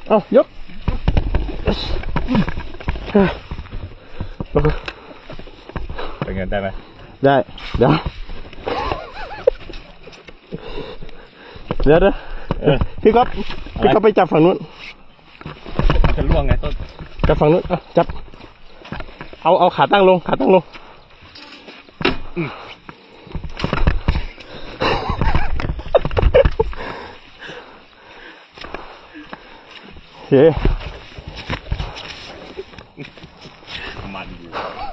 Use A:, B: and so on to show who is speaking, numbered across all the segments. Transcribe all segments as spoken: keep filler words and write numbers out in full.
A: เอายก
B: เป็นไงได้ไหม
A: ได้เดี๋ยวเดี๋ยวเดี๋ยวพี่ก๊อฟพี่ก๊อฟไปจับฝั่งนู้น
B: มันจะล่วงไงต้น
A: จับฝั่งนู้นจับเอาเอาขาตั้งลงขาตั้งลงเฮ้
B: มันอยู่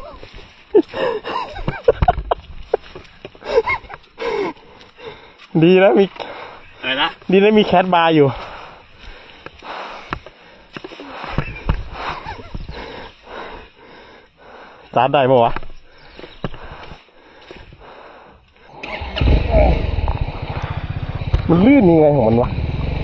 A: ดีนะมี
B: อะไรนะ
A: ดีนะมีแคทบาร์อยู่สตาร์ทได้ปะวะมันลื่นยังไงของมันวะ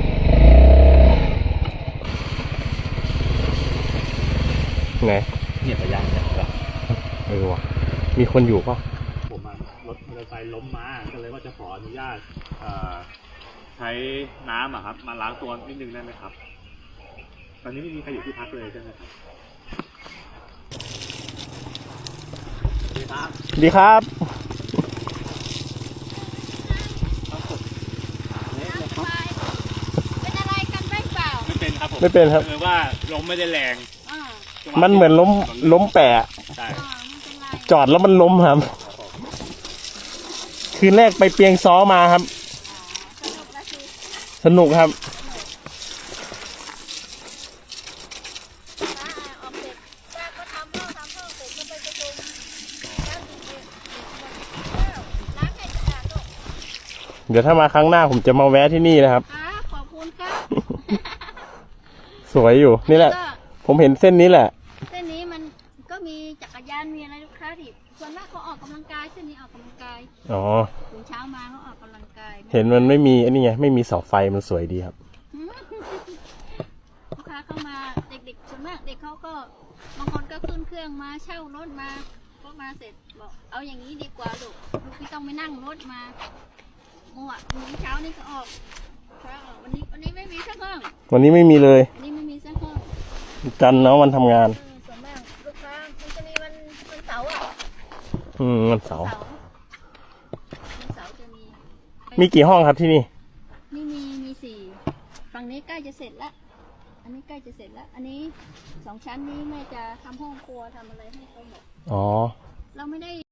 A: ไง
B: เนี่ยไปย่างเนี่ย
A: เออวะมีคนอยู่ปะ
B: ผมรถมอเตอร์ไซค์ล้มมาก็เลยว่าจะขออนุญาตใช้น้ำอะครับมาล้างตัวนิดนึงได้ไหมครับตอนนี้ไม่มีใครอยู่ที่พักเลยใช่ไหมครับดีครับ
A: ดีครับ
C: เป็นอะไรกันไม่เปล่า
B: ไม่เป็นครับผม
A: ไม่เป็นครับ
B: คือว่าล้มไม่ได้แรง
A: มันเหมือนล้มล้มแปะจอดแล้วมันล้มครับคืนแรกไปเปียงซ้อมาครับสนุกครับเดี๋ยวถ้ามาครั้งหน้าผมจะมาแวะที่นี่นะครับ
C: ขอบคุณครับ
A: สวยอยู่นี่แหละผมเห็นเส้นนี้แหละ
C: เส้นนี้มันก็มีจักรยานมีอะไรลูกค้าที่ส่วนมากเขาออกกำลังกายเส้นนี้ออกกำลังกาย
A: อ๋อ
C: ถึงเช้ามาเขาออกกำลังกาย
A: เห็นมันไม่มีอันนี้ไงไม่มีเสาไฟมันสวยดีครับ
C: ลูกค้าเข้ามาเด็กๆส่วนมากเด็กเขาก็บางคนก็ขึ้นเครื่องมาเช่ารถมาก็มาเสร็จบอกเอาอย่างนี้ดีกว่าลูกลูกไม่ต้องไปนั่งรถมาเมื่อวันเช้านี่ก็ออกวันนี้วันนี้ไม่มีสักห้อง
A: วันนี้ไม่มีเลย
C: วันนี้ไม่มีสักห้อง
A: จันทร์เนาะวันทำงาน
C: ส่วนมากลูกค้ามันจะมีวันวันเสาร์อ่ะ
A: อืมวันเสาร์
C: วันเสาร์จะมี
A: มีกี่ห้องครับที่นี่
C: นี่มีมีสี่ฝั่งนี้ใกล้จะเสร็จแล้วอันนี้ใกล้จะเสร็จแล้วอันนี้สองชั้นนี้แม่จะทำห้องครัวทำอะไรให้เขาหมด
A: อ๋อ
C: เราไม่ได้